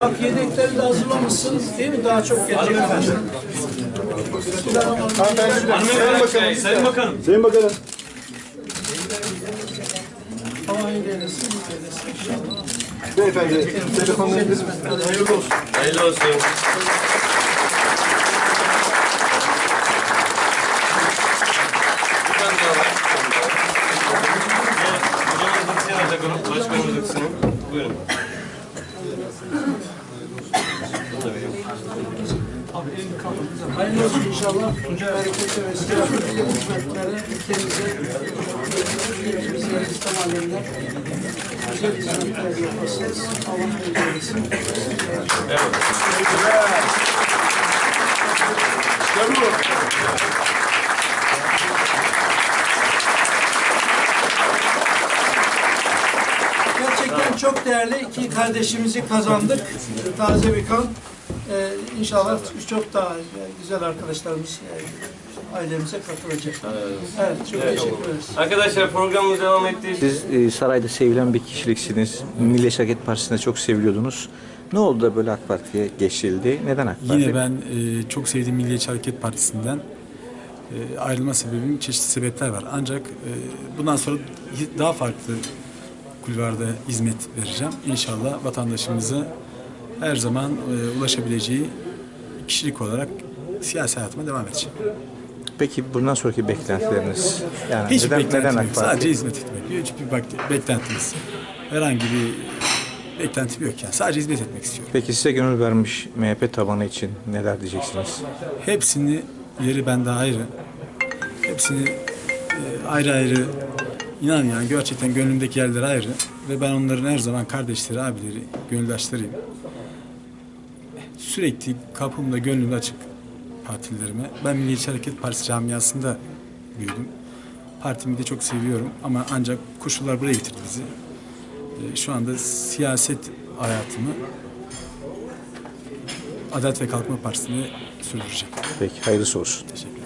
Bak yedekleri de hazırlamışsınız değil mi? Daha çok gelecek. Sayın Bakanım. Sayın Bakanım. Havayı denesin, inşallah. Beyefendi, telefonlarınız Hayırlı olsun. Hayırlı olsun. Buyurun. Hayırlı olsun inşallah. Bereketli ve istirahatli hizmetleri ülkemize, ülkemize, İslam alemine güzel hizmetler yapasınız. Allah razı olsun. Gerçekten çok değerli iki kardeşimizi kazandık. Taze bir kan. İnşallah çok daha güzel arkadaşlarımız ailemize katılacak. Evet, çok teşekkür ederiz. Arkadaşlar programımız devam etti. Siz sarayda sevilen bir kişiliksiniz. Milliyetçi Hareket Partisi'nde çok seviyordunuz. Ne oldu da böyle AK Parti'ye geçildi? Neden AK Parti? Yine ben çok sevdiğim Milliyetçi Hareket Partisi'nden ayrılma sebebim çeşitli sebepler var. Ancak bundan sonra daha farklı kulvarda hizmet vereceğim. İnşallah vatandaşımıza her zaman ulaşabileceği kişilik olarak siyasi hayatıma devam edeceğim. Peki bundan sonraki beklentileriniz? Yani Hiç neden beklentim AK yok. Parti? Sadece hizmet etmek. Hiçbir beklentimiz. Herhangi bir beklentim yok yani. Sadece hizmet etmek istiyorum. Peki size gönül vermiş MHP tabanı için neler diyeceksiniz? Hepsini yeri bende ayrı. Hepsini ayrı ayrı inan yani gerçekten gönlümdeki yerleri ayrı ve ben onların her zaman kardeşleri, abileri, gönüldaşlarıyım. Sürekli kapımda, gönlümde açık partililerime. Ben Milliyetçi Hareket Partisi camiasında büyüdüm. Partimi de çok seviyorum ama ancak koşullar buraya getirdi bizi. Şu anda siyaset hayatımı Adalet ve Kalkınma Partisi'ne sürdüreceğim. Peki hayırlısı olsun. Teşekkür ederim.